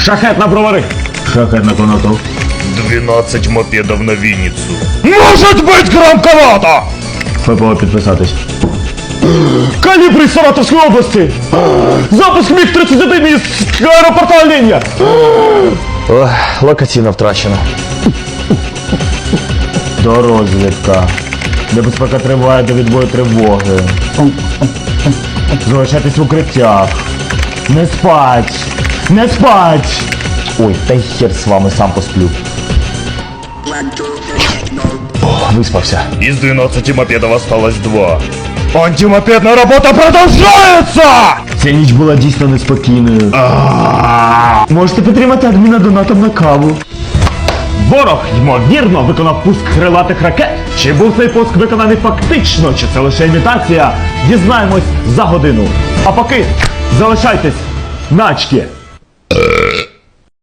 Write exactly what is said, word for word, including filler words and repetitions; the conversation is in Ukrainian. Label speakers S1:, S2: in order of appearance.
S1: Шахет на бровари. Шахет на Конотоп.
S2: двенадцать мопедов на Винницу.
S1: Может быть громковато! ФПО підписатись. Калібри Саратовської області! Запуск міг тридцять один із аеропорта Оленя!
S3: Ох, локаційно втрачено.
S1: Дорозвідка. Небезпека триває до відбою тривоги. Залишайтесь в укриттях. Не спать! Не спать! Ой, та й хер з вами, сам посплю. О, виспався.
S2: Из двенадцати мопедов осталось два.
S1: Антимопедна робота продовжується! Ця ніч була дійсно неспокійною. Можете підтримати адміна донатом на каву. Ворог, ймовірно, виконав пуск крилатих ракет. Чи був цей пуск виконаний фактично, чи це лише імітація? Дізнаємось за годину. А поки залишайтесь начки.